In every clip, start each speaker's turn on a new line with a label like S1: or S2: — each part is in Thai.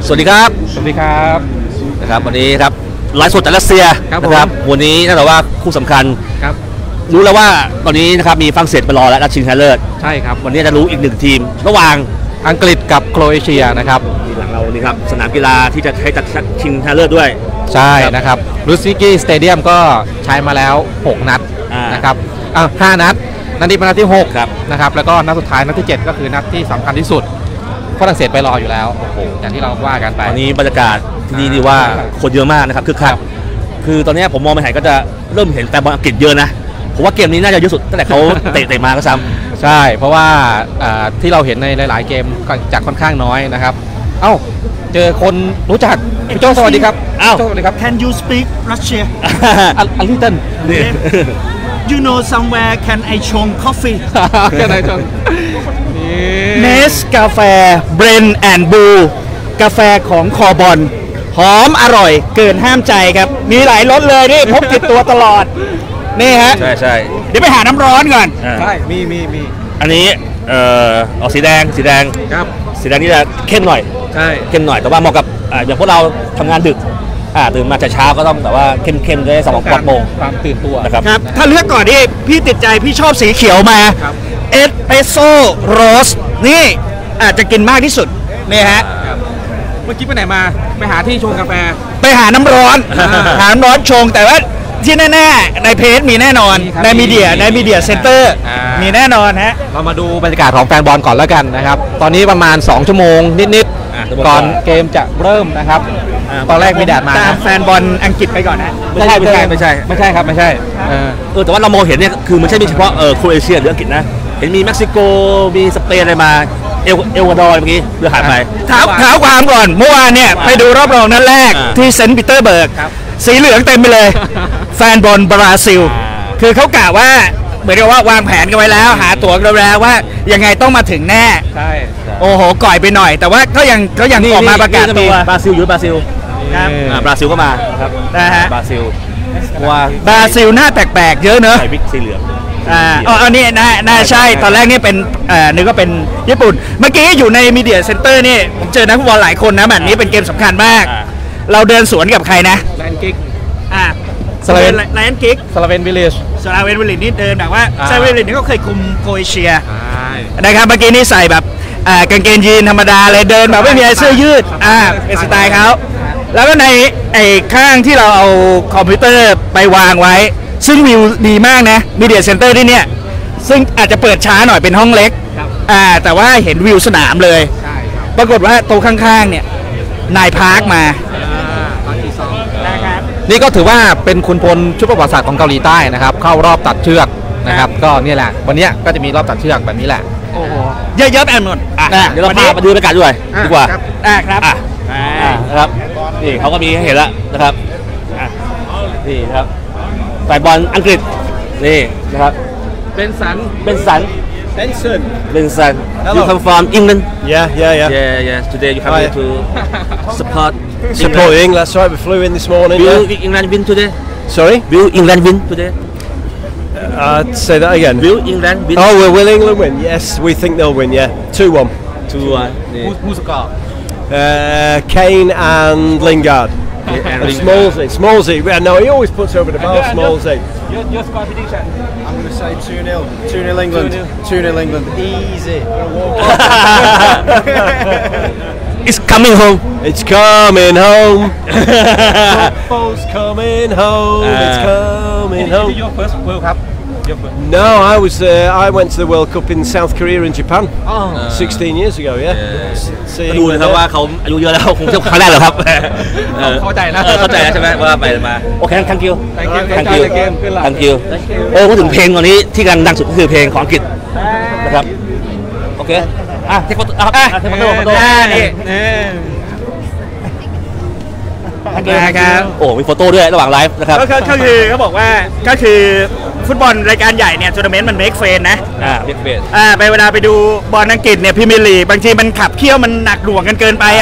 S1: สวัสดีครับ
S2: สวัสดีครับ
S1: นะครับวันนี้ครับไลฟ์สดจากรัสเซียนะครับวันนี้น่าจะว่าคู่สำคัญ
S2: ครับ
S1: รู้แล้วว่าตอนนี้นะครับมีฝรั่งเศสไปรอแล้วนัดชิงชนะเลิศ
S2: ใช่ครับ
S1: วันนี้จะรู้อีกหนึ่งทีมระหว่าง
S2: อังกฤษกับโครเอเชียนะครับ
S1: หลังเรานี่ครับสนามกีฬาที่จะให้จัดชิงชนะเลิศด้วย
S2: ใช่นะครับรูสกี้สเตเดียมก็ใช้มาแล้ว6นัดนะครับ5นัดนัดนี้เป็นนัดที่6นะครับแล้วก็นัดสุดท้ายนัดที่7ก็คือนัดที่สำคัญที่สุดฝรั่งเศสไปรออยู่แล้วอย่างที่เราว่ากันไป
S1: ตอนนี้บรรยากาศที่นี่ดีว่าคนเยอะมากนะครับคึกคักคือตอนนี้ผมมองไปไหนก็จะเริ่มเห็นแฟนบอลอังกฤษเยอะนะผมว่าเกมนี้น่าจะเยอะสุดตั้งแต่เขาเตะมาก็ซ้
S2: ำใช่เพราะว่าที่เราเห็นในหลายๆเกมจากค่อนข้างน้อยนะครับเจอคนรู้จักพี่โจสวัสดีครับ
S1: สวัสดีครับ
S3: Can you speak Russian
S2: a little
S3: You know somewhere can I ชง coffee
S2: Can I ชง
S3: เนสกาแฟเบรนแอนด์บูกาแฟของคอบอลหอมอร่อยเกินห้ามใจครับมีหลายรสเลยนี่พกติดตัวตลอดนี่ฮะ
S1: ใช่
S3: เดี๋ยวไปหาน้ำร้อนก่อน
S2: ใช่มี
S1: อันนี้ออกสีแดง
S2: ครับ
S1: สีแดงนี่จะเข้มหน่อย
S2: ใช่
S1: เข้มหน่อยแต่ว่าเหมาะกับอย่างพวกเราทำงานดึกตื่นมาแต่เช้าก็ต้องแต่ว่าเข้มได้สมองปลอดโปร่ง
S2: ความตื่นตัว
S1: นะครับ
S3: ถ้าเลือกก่อนที่พี่ติดใจพี่ชอบสีเขียวมาเอสเปรสโซ่โรสนี่อาจจะกินมากที่สุดนี่ฮะ
S2: เมื่อกี้ไปไหนมาไปหาที่ชงกาแฟ
S3: ไปหาน้ำร้อนหาน้ำร้อนชงแต่ว่าที่แน่ๆในเพจมีแน่นอนในมีเดียเซ็นเตอร์มีแน่นอนฮะ
S2: เรามาดูบรรยากาศของแฟนบอลก่อนแล้วกันนะครับตอนนี้ประมาณ2ชั่วโมงนิดๆก่อนเกมจะเริ่มนะครับตอนแรกมีแดดมา
S3: ตามแฟนบอลอังกฤษไปก่อนนะ
S1: ไม่ใช่
S2: ครับไม่ใช่
S1: แต่ว่าเรามองเห็นเนี่ยคือมันไม่ใช่มีเฉพาะโครเอเชียหรืออังกฤษนะเห็นมีเม็กซิโกมีสเปนอะไรมาเอลวาดอร์เมื่อกี้เรือหายไป
S3: เท้าความก่อนเมื่อวานเนี่ยไปดูรอบรองนัดแรกที่เซนต์ปีเตอร์เบิร์กสีเหลืองเต็มไปเลยแฟนบอลบราซิลคือเขากล่าวว่าเหมือนกับว่าวางแผนกันไว้แล้วหาตั๋วกันแล้วว่ายังไงต้องมาถึงแน่
S2: ใช่
S3: โอ้โหก่อยไปหน่อยแต่ว่าก็ยังออกมาประกาศตัว
S1: บราซิลอยู่บราซิลครับบราซิลก็มาครับ
S3: นะฮะ
S1: บราซิลว่า
S3: บราซิลหน้าแปลกๆเยอะเนอะ
S1: ใส่วิกสีเหลือง
S3: อันนี้น่าใช่ตอนแรกนี่เป็นนึกว่าเป็นญี่ปุ่นเมื่อกี้อยู่ในมีเดียเซ็นเตอร์นี่ผมเจอนักฟุตบอลหลายคนนะแบบนี้เป็นเกมสำคัญมากเราเดินสวนกับใครนะ
S2: ไลออนกิก
S3: ไลออนกิก
S2: สลาเวนวิลเลจ
S3: นี่เดินแบบว่าซาเวนวิลเลจนี่ก็เคยคุมโครเอเชียนะครับเมื่อกี้นี่ใส่แบบกางเกงยีนธรรมดาเลยเดินแบบไม่มีเสื้อยืดเป็นสไตล์เขาแล้วก็ในข้างที่เราเอาคอมพิวเตอร์ไปวางไว้ซึ่งวิวดีมากนะมีเดียเซ็นเตอร์ที่เนี่ยซึ่งอาจจะเปิดช้าหน่อยเป็นห้องเล็กแต่ว่าเห็นวิวสนามเลยปรากฏว่าโต๊ะข้างๆเนี่ยนายพาร์คมา
S2: นี่ก็ถือว่าเป็นขุนพลชุดประวัติศาสตร์ของเกาหลีใต้นะครับเข้ารอบตัดเชือกนะครับก็นี่แหละวันนี้ก็จะมีรอบตัดเชือกแบบนี้แหละ
S3: โอ้โหเยอะๆแอนหมด
S1: เดี๋ยวเราพาไปดูบรรยากาศด้วยดีกว่า
S3: ครับ
S1: นะครับนี่เขาก็มีให้เห็นแล้วนะครับนี่ครับแฟนบอลอังกฤษนี่นะครับ
S2: เบนสัน
S1: You come from England
S4: Yeah
S1: Today you come here to support
S4: England that's right we flew in this morning
S1: Will England win today
S4: Sorry
S1: Will England win today
S4: Say that again
S1: Will England win
S4: Will England win Yes we think they'll win yeah 2-1
S1: Who's score
S4: Kane and Lingard Smallsy. No, he always puts over the bar. Smallsy.
S2: Your score prediction?
S4: I'm going to say 2-0. 2-0 England. 2-0 England. Easy.
S1: It's coming home.
S4: It's coming home. Football's coming home. It's coming home.
S2: Your first World Cup?
S4: No, I went to the World Cup in South Korea and Japan 16 years ago. Yeah.
S1: ดูนะครับว่าเขาอายุเยอะแล้วคงจะครั้งแรกเหรอครับ
S2: เข้าใจนะ
S1: ใช่ไหมว่าไปมาโอเค thank you พูดถึงเพลงตอนนี้ที่กำลังดังสุดก็คือเพลงของอังกฤษนะครับโอเคเทคโนโลยี
S3: นะครับ
S1: โอ้มีโฟโต้ด้วยระหว่างไลฟ์นะครับ
S3: ก็คือเขาบอกว่าก็คือฟุตบอลรายการใหญ่เนี่ยทัวร์นาเมนต์มันเมคเฟนนะ
S1: เมคเฟน
S3: ไปเวลาไปดูบอลอังกฤษเนี่ยพรีเมียร์ลีกบางทีมันขับเคี่ยวมันหนักหน่วงกันเกินไป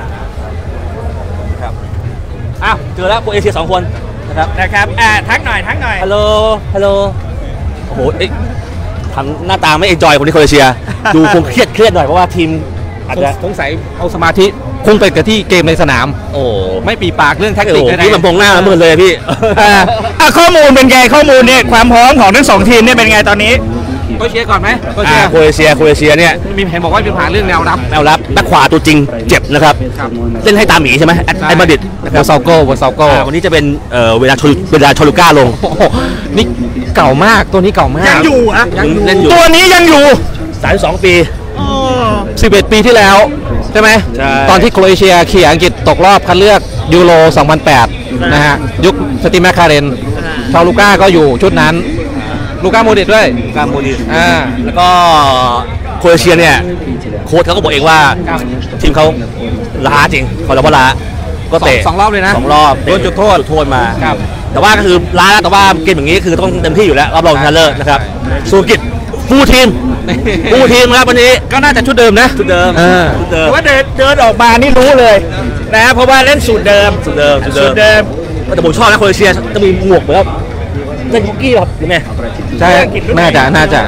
S1: ครับเจอแล้วโครเอเชีย2 คน
S3: นะครับทักหน่อย
S1: ฮัลโหลโอ้โหทำหน้าตาไม่เอนจอยคนที่โครเอเชียดูคงเครียดหน่อยเพราะว่าทีมอาจจะ
S2: สงสัยเอาสมาธิคงไปกับที่เกมในสนาม
S1: โอ้
S2: ไม่ปีปากเรื่องแท็ก
S1: โอ้
S2: ติก
S1: โห
S2: ใด
S1: พี่ลำพงหน้ามืดเลยพี่
S3: ข้อมูลเป็นไงข้อมูลเนี่ยความพร้อมของทั้งสองทีมเนี่ยเป็นไงตอนนี้
S2: โคเชียก่อนไหมโคเชีย
S1: โคเอเชียเนี่ย
S2: มีเห็นบอกว่ามีปัญหาเรื่องแนวรับ
S1: แนวรับแบ็คขวาตัวจริงเจ็บนะครับ
S2: ครับ
S1: เล่นให้ตามหมีใช่ไหมไอ้มาดิดนะค
S2: ว
S1: รั
S2: อบ ซาโก้
S1: วันนี้จะเป็นเวลาโชลูก้าลง
S2: โอ้โหนี่เก่ามากตัวนี้เก่ามาก
S3: ยังอยู่อะ
S1: เล่นอยู่
S3: ตัวนี้ยังอยู่
S1: 32 ปี
S2: 11 ปีที่แล้วใช่ไหม
S1: ใช่
S2: ตอนที่โครเอเชียเขี่ยอังกฤษตกรอบคัดเลือกยูโร 2008 นะฮะ ยุคสตีฟแมคคาเรนชาวลูก้าก็อยู่ชุดนั้น ลูก้าโมดริตด้วย
S1: กาโมดิ
S2: อ่า
S1: แล้วก็โครเอเชียเนี่ยโค้ชเขาก็บอกเองว่าทีมเขาล้าจริงเขาบอกว่าล้าก็เตะ
S2: สองรอบเลยนะ
S1: 2 รอบโดนจุดโทษมา
S2: ครับ
S1: แต่ว่าก็คือล้าแล้วแต่ว่าเกมอย่างนี้คือต้องเต็มที่อยู่แล้วรอบรองชนะเลิศนะครับสุกิจฟูลทีมครับวันนี้
S2: ก็น่าจะชุดเดิมนะ
S1: ชุดเดิม ชุดเดิม
S3: ว่าเดินออกมานี่รู้เลยนะเพราะว่าเล่นสูตรเดิม
S1: ชุดเดิม แต่ผมชอบนะโครเอเชียจะมีหมวกเหมือนกับเล่นคุกกี้ครับยังไง
S2: ใช่น่าจะ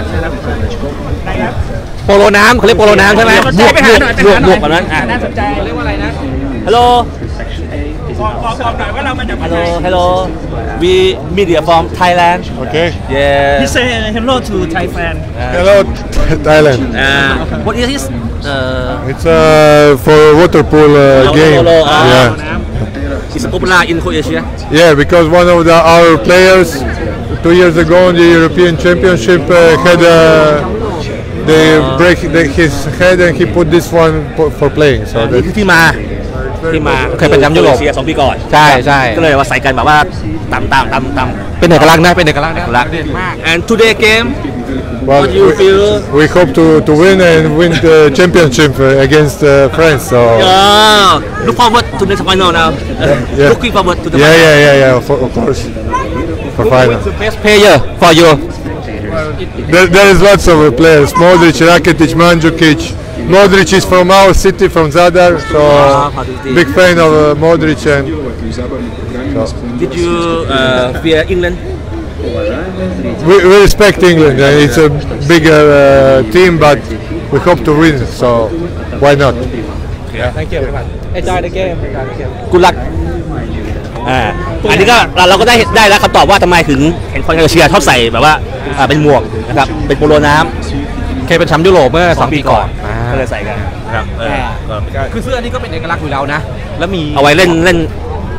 S2: โปโลน้ำเขาเรียกโปโลน้ำใช่ไหม
S3: สนใจไปหาหน่อย
S1: หมวกแบบนั้นอ่ะ
S3: น่าสนใจ
S2: เรียกว่าอะไรนะ
S1: ฮัลโหล
S3: บอกหน่อยว่าเรามาจากประเทศ
S1: Hello we media from Thailand
S5: Okay.
S1: yeah
S3: He say hello to Thai fan
S5: Hello, Thailand.
S1: what is this
S5: It's for water pool game.
S1: Polo,
S5: Yeah.
S1: is popular in Croatia
S5: Yeah, because one of our players 2 years ago in the European Championship had they break his head and he put this one for playing. So
S1: นี่
S5: that
S1: คือที่มา
S2: เคยเป็นแชมป์ยุโรป
S1: โคเอเชีย2 ปีก่อน
S2: ใช่ใช่
S1: ก็เลยว่าใส่กันแบบว่าตาม
S2: เป็นเอกลักษณ์นะเป็นเอกลักษณ์นะ
S1: รัก and today game
S5: well,
S1: What do you feel?
S5: we hope to win and win the championship against France. So
S1: look forward to the final now
S5: Yeah.
S1: looking forward to the final
S5: yeah, of course. For final.
S2: best player for you
S5: There is lots of players. Modric, Rakitic, Mandzukic. Modric is from our city, from Zadar, so big fan of Modric. And
S1: did you fear England
S5: we respect England. It's a bigger team, but we hope to win. So why not?
S2: Thank you enjoy the game
S1: กุลักอันนี้ก็เราก็ได้แล้วคำตอบว่าทำไมถึงเห็นคนเอเชียชอบใส่แบบว่าเป็นหมวกนะครับเป็นโปโลน้ำ
S2: เคยเป็นแชมป์ยุโรปเมื่อ2 ปีก่อน
S1: ก็เลยใส่กันนะครับ
S2: คือเสื้อนี้ก็เป็นเอกลักษณ์อยู่แล้วนะ แล้วมี
S1: เอาไว้เล่น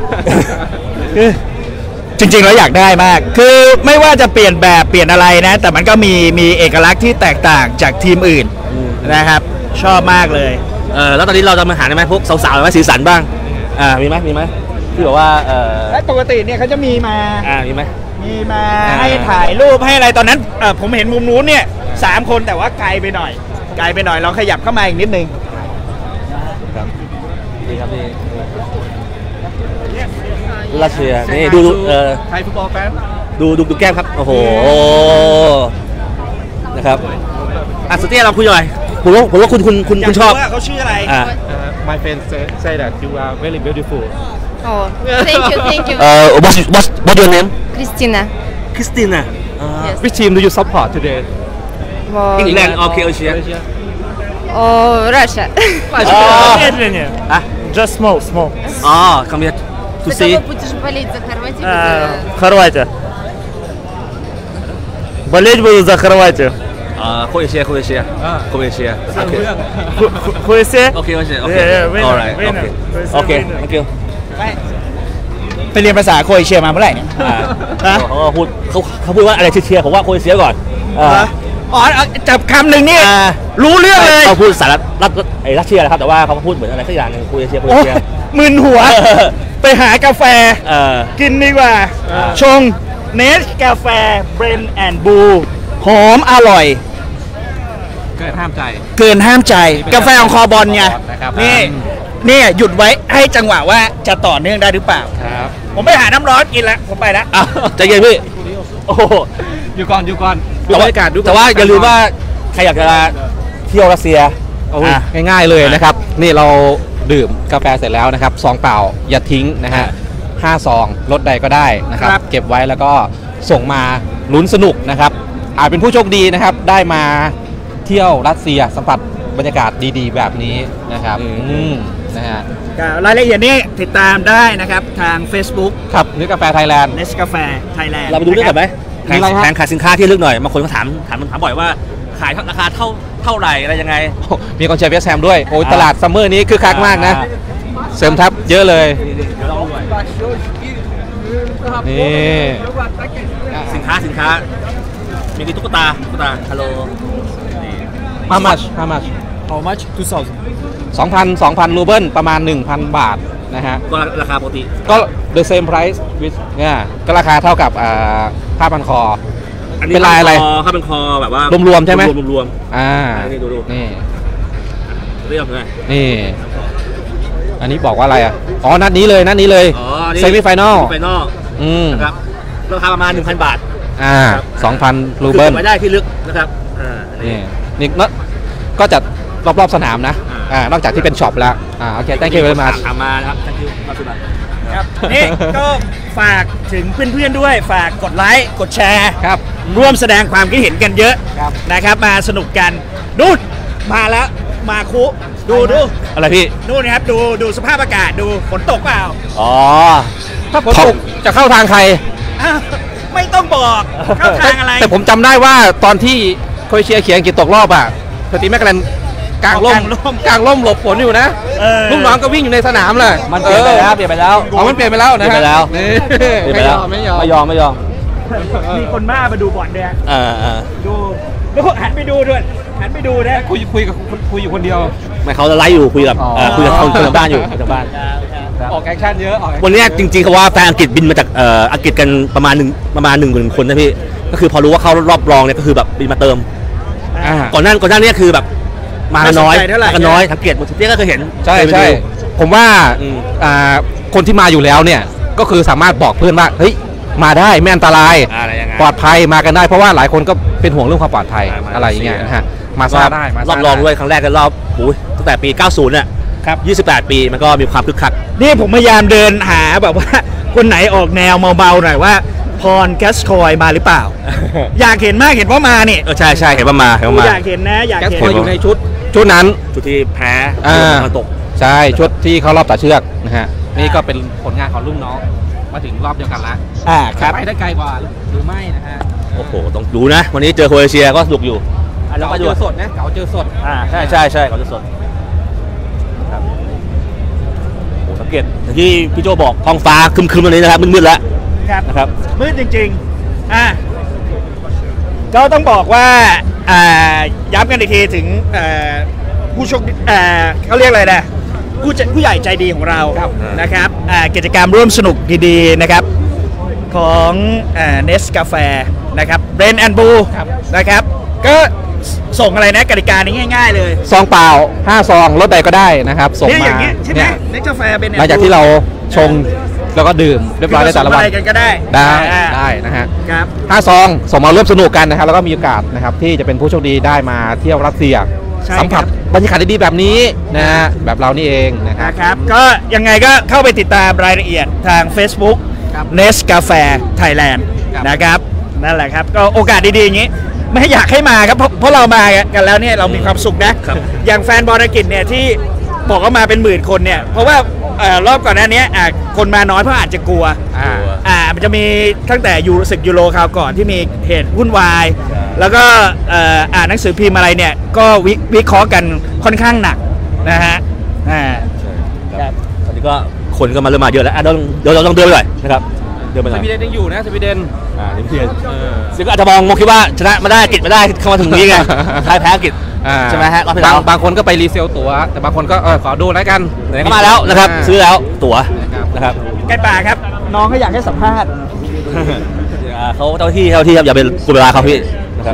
S3: จริงๆแล้วอยากได้มาก คือไม่ว่าจะเปลี่ยนแบบเปลี่ยนอะไรนะ แต่มันก็มีเอกลักษณ์ที่แตกต่างจากทีมอื่นนะครับ ชอบมากเลย
S1: แล้วตอนนี้เราจะมาหาได้ไหมพวกสาวๆไหมสีสันบ้างมีไหมที่แบบว่า
S3: และปกติเนี่ยเขาจะมีมา
S1: มีไหม
S3: ให้ถ่ายรูปให้อะไรตอนนั้นผมเห็นมุมนู้นเนี่ย3 คนแต่ว่าไกลไปหน่อยลองขยับเข้ามาอีกนิดนึง
S1: นี่ครับนี่รัสเซียนี่ดู
S2: ไทยฟุตบอลแฟน
S1: ดูแก้มครับโอ้โหนะครับสเตียเราคุยหน่อยผมว่าคุณชอบ
S3: ว่าเขาชื่ออะไร
S2: My friend say that you are very beautiful
S6: Oh, thank you.
S1: what's your name
S6: Christina.
S1: Christina
S2: Which team do you support today
S6: Oh,
S1: England or Croatia
S6: oh Russia.
S3: Медленнее.
S1: Just small come here to
S6: За
S1: see
S6: кого будешь болеть, за Хорватию?
S3: Хорватия. Болеть буду за Хорватию.
S1: Croatia
S3: Хуэсе?
S1: Okay
S3: winner,
S1: alright
S3: winner.
S1: okay thank you
S3: ไปเรียนภาษาโครเอเชียมาเมื่อไหร่เนี่ย
S1: เขาพูดว่าอะไรเชียร์ผมว่าโครเอเชียก่อน
S3: จับคำหนึ่งนี่รู้เรื่องเลย
S1: เขาพูดสารรัสเซียนะครับแต่ว่าเขาพูดเหมือนอะไรสักอย่างนึงโครเอเชีย
S3: มึนหัว ไปหากาแฟกินดีกว่า ชงเนสกาแฟเบรนแอนด์บูหอมอร่อย
S2: เกินห้ามใจ
S3: เกินห้ามใจกาแฟของคอบอลไง
S2: นะครับ
S3: นี่หยุดไว้ให้จังหวะว่าจะต่อเนื่องได้หรือเปล่า
S2: ครับ
S3: ผมไปหาน้ำร้อนกินแล้วผมไปแล้ว
S1: ใจเย็นพี่โอ้โห
S2: อยู่ก่อนดูบรรยากาศดู
S1: แต่ว่าอย่าลืมว่าใครอยากจะเที่ยวรัสเซีย
S2: ง่ายๆเลยนะครับ นี่เราดื่มกาแฟเสร็จแล้วนะครับซองเปล่าอย่าทิ้งนะฮะ5 ซองรถใดก็ได้นะครับ เก็บไว้แล้วก็ส่งมาลุ้นสนุกนะครับอาจเป็นผู้โชคดีนะครับได้มาเที่ยวรัสเซียสัมผัสบรรยากาศดีๆแบบนี้นะครับนะฮะ
S3: รายละเอียดนี้ติดตามได้นะครับทาง Facebook
S2: ครับนึกกาแฟไทยแลนด์
S3: Nescafe Thailand
S1: เราไปดูเรื่องกันไหม
S2: มีอะไรฮะ
S1: แผงขายสินค้าที่ลึกหน่อยบางคนก็ถามบ่อยว่าขายราคาเท่าไหร่อะไรยังไง
S2: มีกองเชียร์เวสต์แฮมด้วยโอ้ยตลาดซัมเมอร์นี้คือคักมากนะ เสริมทัพเยอะเลยนี่
S1: สินค้ามีตุ๊กตาฮัลโหล
S2: how much
S3: How much
S2: 2,000 รูเบิลประมาณ 1,000 บาทนะฮะ
S1: ก็ราคาปกติ
S2: ก็ the same price with เนี่ยก็ราคาเท่ากับผ้าพันคอ เป็นลายอะไร
S1: ผ้าพันคอแบบว่าร
S2: วมๆใช่ไหม
S1: รวม นี่ดู
S2: นี่
S1: เรียกไง
S2: นี่ อันนี้บอกว่าอะไรอ่ะอ๋อนัดนี้เลย
S1: อ๋อนี่
S2: เซมิไฟนอล
S1: ไฟนอลนะครับราคาประมาณ 1,000 บาท
S2: 2,000 รูเบิล
S1: คือไม่ได้ที่ลึกนะครับ
S2: นี่ก็จะรอบๆสนามนะนอกจากที่เป็นช็อปแล้วโอเค thank you very much
S1: ถามมานะครับ thank you
S3: ครับนี่ก็ฝากถึงเพื่อนๆด้วยฝากกดไลค์กดแชร์
S2: ครับ
S3: ร่วมแสดงความคิดเห็นกันเยอะ
S2: ครับ
S3: นะครับมาสนุกกันนู่นมาแล้วมาคุดู
S1: อะไรพี่
S3: นู่นนะครับดูสภาพอากาศดูฝนตกเปล่า
S1: อ๋อ
S2: ถ้าฝนตกจะเข้าทางใคร
S3: อ้าวไม่ต้องบอกเข้าทางอะไร
S2: แต่ผมจำได้ว่าตอนที่โครเอเชียเขียนอังกฤษตกรอบอ่ะสตีแมคแกลนกลางร่มหลบฝนอยู่นะลูกน้องก็วิ่งอยู่ในสนามเลย
S1: มันเปลี่ยนไปแล้ว
S2: อ๋อมันเปลี่ยนไปแล้วนะ
S1: เปลี่ยนไปแล้ว
S2: นี่
S1: เปลี่ยนไปแล้ว
S2: ไม่ยอม
S3: มีคนบ้ามาดูบอลด้วย ดูหันไปดูด้วยหันไปดูนะ
S2: คุยอยู่คนเดียว
S1: ไม่เขาจะไลฟ์อยู่คุยกับคนทางบ้านอยู่ทางบ้าน
S2: ออกแอคชั่นเยอะ
S1: วันนี้จริงๆเขาว่าแฟนอังกฤษบินมาจากอังกฤษกันประมาณ 10,000 คนนะพี่ก็คือพอรู้ว่าเข้ารอบรองเนี่ยก็คือแบบบินมาเติมก่อนหน้านี้คือแบบมาน้อยก็น้อยสังเกตหมดทุกที่ก็เคยเห็น
S2: ใช่ผมว่าคนที่มาอยู่แล้วเนี่ยก็คือสามารถบอกเพื่อนว่าเฮ้ยมาได้ไม่อันตรายปลอดภัยมากันได้เพราะว่าหลายคนก็เป็นห่วงเรื่องความปลอดภัยอะไรอย่างเงี้ยนะฮะมาซาได้
S1: รอบรองด้วยครั้งแรกในรอบตั้งแต่ปี 90 เนี่ย28 ปีมันก็มีความคึกคัก
S3: นี่ผมพยายามเดินหาแบบว่าคนไหนออกแนวเบาๆหน่อยว่าพรแกสคอยมาหรือเปล่า อยากเห็นมากเห็นว่ามานี่
S1: ใช่เห็นว่ามา
S3: อยากเห็นนะอยากเห็น
S2: อยู่ในชุดนั้น
S1: ชุดที่แพ้มันตก
S2: ใช่ชุดที่เขารอบตัดเชือกนะฮะนี่ก็เป็นผลงานของรุ่นน้องมาถึงรอบเดียวกันแล้ว
S3: ครับ
S2: ไปได้ไกลกว่าหรือไม่นะฮะ
S1: โอ้โหต้องดูนะวันนี้เจอโครเอเชียก็สนุกอยู่
S2: แล้วก็เจอสดนะเจอสด
S1: ใช่เขาจะสดครับโอ้สังเกตอย่างที่พี่โจบอกท้องฟ้าครึมๆตรงนี้นะครับมืดๆแล้วนะครับ
S3: มืดจริงๆก็ต้องบอกว่าย้ำกันอีกทีถึงผู้โชคเขาเรียกอะไรนะผู้ใหญ่ใจดีของเรานะครับกิจกรรมร่วมสนุกดีๆนะครับของเนสกาแฟนะครับเบรนแอนด์บูนะครับก็ส่งอะไรนะกติกานี้ง่ายๆเลย
S2: ซองเปล่า5 ซองรถใดก็ได้นะครับส่งมา
S3: อย่างเงี้ยใช่ไหมเนสกาแฟเบรนแอนด์บู
S2: หลังจากที่เราชงแล้วก็ดื่มเรียบร้อยในแต่ละวัน
S3: กันก็ได้
S2: นะฮะ
S3: ครับ
S2: 5 ซองส่งมาร่วมสนุกกันนะครับแล้วก็มีโอกาสนะครับที่จะเป็นผู้โชคดีได้มาเที่ยวรัสเซียสัมผัสบรรยากาศดีๆแบบนี้นะฮะแบบเรานี่เอง
S3: นะครับก็ยังไงก็เข้าไปติดตามรายละเอียดทาง Facebook Nescafe Thailand นะครับนั่นแหละครับก็โอกาสดีๆอย่างนี้ไม่อยากให้มาครับเพราะเรามากันแล้วเนี่ยเรามีความสุขนะอย่างแฟนบอลอังกฤษเนี่ยที่บอกว่ามาเป็นหมื่นคนเนี่ยเพราะว่ารอบก่อนหน้านี้คนมาน้อยเพราะอาจจะกลัวมันจะมีตั้งแต่ศึกยูโรคราวก่อนที่มีเหตุวุ่นวายแล้วก็อ่านหนังสือพิมพ์อะไรเนี่ยก็วิเคราะห์กันค่อนข้างหนักนะฮะ
S1: ตอนนี้ก็คนก็มาเริ่มมาเยอะแล้วเดี๋ยวเราต้องเดินไปหน่อยนะครับเดินไปหน่อย
S2: สวีเดนยังอยู่นะสวีเดน
S1: ซึ่งก็อาจจะมองคิดว่าชนะมาได้อังกฤษมาได้เข้ามาถึงนี้ไงท้ายแพ้อังกฤษใช่ไหมฮะ
S2: บางคนก็ไปรีเซลตั๋วแต่บางคนก็ขอดูแล้วกัน
S1: ไหนก็มาแล้วนะครับซื้อแล้วตั๋วนะครับ
S3: ใกล้ป่าครับน้องเขาอยากให้สัมภาษณ์
S1: เขาเจ้าที่ครับอย่าไปกุเวลาเขาพี่นะครับ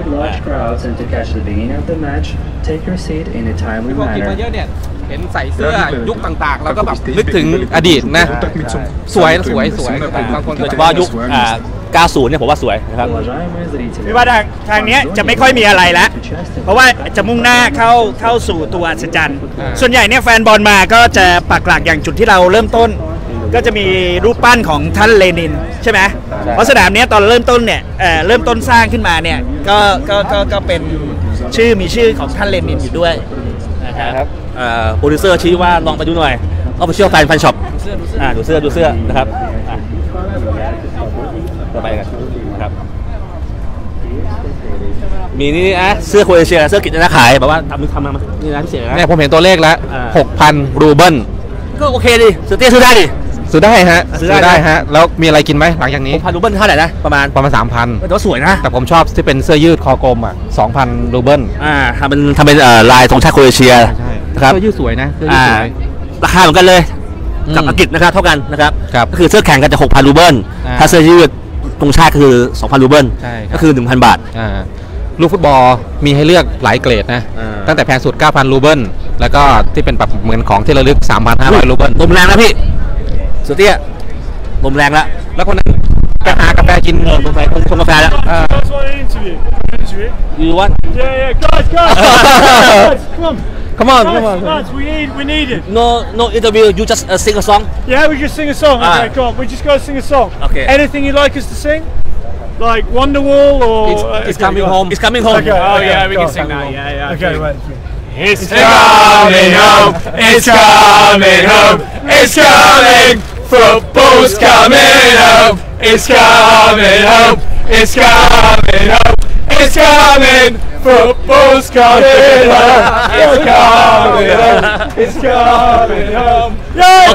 S2: กินมาเยอะเนี่ยเห็นใส่เสื้อยุคต่างๆแล้วก็แบบนึกถึงอดีตนะสวยบางคน
S1: โดยเฉพาะยุค90เนี่ยผมว่าสวยนะครับ
S3: ไม่ว่าทางนี้จะไม่ค่อยมีอะไรแล้วเพราะว่าจะมุ่งหน้าเข้าสู่ตัวอัศจรรย์ส่วนใหญ่เนี่ยแฟนบอลมาก็จะปักหลักอย่างจุดที่เราเริ่มต้นก็จะมีรูปปั้นของท่านเลนินใช่ไหมเพราะสนามนี้ตอนเริ่มต้นเนี่ยเริ่มต้นสร้างขึ้นมาเนี่ยก็เป็นมีชื่อของท่านเลนินอยู่ด้วยนะครับ
S1: โปรดิวเซอร์ชี้ว่าลองไปดูหน่อยเอาไปเชี่ยวแฟนช็อปดูเสื้อนะครับต่อไปกันนะครับมีนี่เสื้อโครเอเชียเสื้อกิจนะขายแบบว่าทำมานี่นะพิเศษนะ
S2: เนี่ยผมเห็นตัวเลขแล้ว 6,000 รูเบิล
S1: ก็โอเคดิซื้อซื้อได้ดิ
S2: ซื้อได้ฮะ
S1: ซื้อได้นะ
S2: ฮะแล้วมีอะไรกินไหมหลังจากนี้
S1: 6,000 รูเบิลเท่าไหร่นะประมาณ
S2: 3,000
S1: แต่ว่าสวยนะ
S2: แต่ผมชอบที่เป็นเสื้อยืดคอกลม2,000 รูเบิล
S1: ทำเป็นลายธงชาติโครเอเชีย
S2: ใช่
S1: นะครับ
S2: เสื้อยืดสวยนะเสื้อยืดสวย
S1: ราคาเหมือนกันเลยกับ
S2: อืม
S1: อังกฤษนะครับเท่ากันนะครับ
S2: ครับ
S1: ก็คือเสื้อแข่งกันจะ 6,000 รูเบิล ถ้าเสื้อยืดธงชาติคือ 2,000 รูเบิล
S2: ใช่ครับ
S1: ก็คือ 1,000 บาท
S2: ลูกฟุตบอลมีให้เลือกหลายเกรดนะ ตั้งแต่แพงสุด 9,000 รูเบิลแล้วก็ที่เป็นแบบเหมือนของที่ระลึก 3,500 รูเบิล
S1: ลมแรงนะพี่สุดเตี้ยลมแรงแล้ว
S2: แล้วคนนั้นไปหากาแฟกิน
S1: ลมแรงชงกาแฟแล้ว
S7: Guys, want an interview? Interview?
S1: ยูวัน
S7: Yeah, guys, guys, come on,
S2: Come on
S7: lads, we need it.
S1: no interview you just sing a song
S7: Yeah, we just sing a song. Okay,
S1: Ah.
S7: come on, we just go sing a song.
S1: Okay.
S7: Anything you'd like us to sing? Like Wonderwall or?
S2: It's coming home.
S1: it's coming home
S7: Okay,
S3: Oh,
S7: okay,
S3: yeah, we
S7: go
S3: can
S7: on.
S3: sing that. Yeah, yeah.
S7: Okay, wait.
S3: It's coming home. It's coming home. It's coming. Football's coming home. It's coming home. It's coming home. It's coming. Football's coming home. It's coming home. It's coming home. Yeah,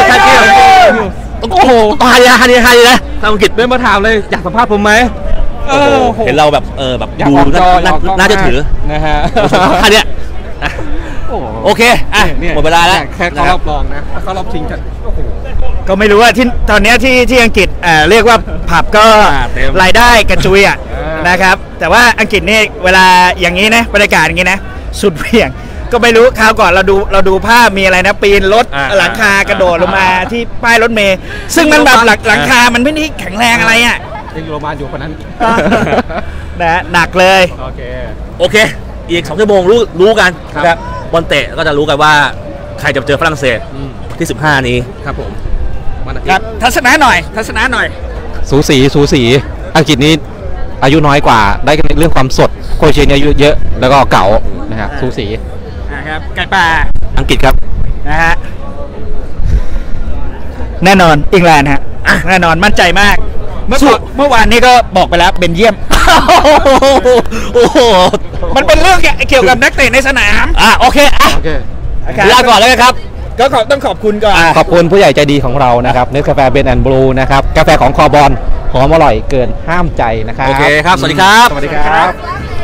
S1: Okay, thank you. โอ้โหต้องฮาดีนะทางอังกฤษ
S2: เดินมาถามเลยอยากสัมภาษณ์ผมไหม
S1: เห็นเราแบบแบบ
S2: อยาก
S1: ดู
S2: ออกจออยากออกกล้อง
S1: น่าจะถือ
S2: นะฮะ
S1: ท่าเนี้ยโอเคหมดเวลาแล้ว
S2: แค่เข้ารอบรองนะเข้ารอบชิงกันโอ้โห
S3: ก็ไม่รู้ว่าที่ตอนเนี้ยที่อังกฤษเรียกว่าผับก็
S1: เต็ม
S3: รายได้กระจุยนะครับ แต่ว่าอังกฤษนี่เวลาอย่างนี้นะบรรยากาศอย่างนี้นะสุดเหวี่ยง ก็ไม่รู้คราวก่อนเราดูภาพมีอะไรนะปีนรถหลังคากระโดดลงมาที่ป้ายรถเมล์ซึ่งมันแบบหลังคามันไม่ได้แข็งแรงอะไรอ่ะ
S2: ยังอยู่โรงพยาบาลอยู่คนนั้น
S3: นะหนักเลย
S1: โอเคอีก2 ชั่วโมงรู้กันนะครับบอลเตะก็จะรู้กันว่าใครจะเจอฝรั่งเศสที่ 15 นี้
S2: ครับผมวันอาทิ
S3: ครั
S2: ต
S3: บ
S2: ย์
S3: ทัศนะหน่อย
S2: สูสีอังกฤษนี้อายุน้อยกว่าได้กันเรื่องความสดโครเอเชียเนี่ยอายุเยอะแล้วก็เก่านะฮะสูสี
S3: นะครับไก่ป่า
S1: อังกฤษครับ
S3: นะฮะแน่นอนอังกฤษฮะแน่นอนมั่นใจมากเมื่อวานนี้ก็บอกไปแล้วเบนเยียม
S1: โอ้โห
S3: มันเป็นเรื่องเกี่ยวกับนักเตะในสนาม
S1: โอเคลาก่อนแล้วกันครับ
S3: ก็ต้องขอบคุณก่อน
S2: ขอบคุณผู้ใหญ่ใจดีของเรานะครับเนสกาแฟเบนแอนด์บลูนะครับกาแฟของคอบอลหอมอร่อยเกินห้ามใจนะครับ
S1: โอเคครับ สวัสดีครับ
S2: สวัสดีครับ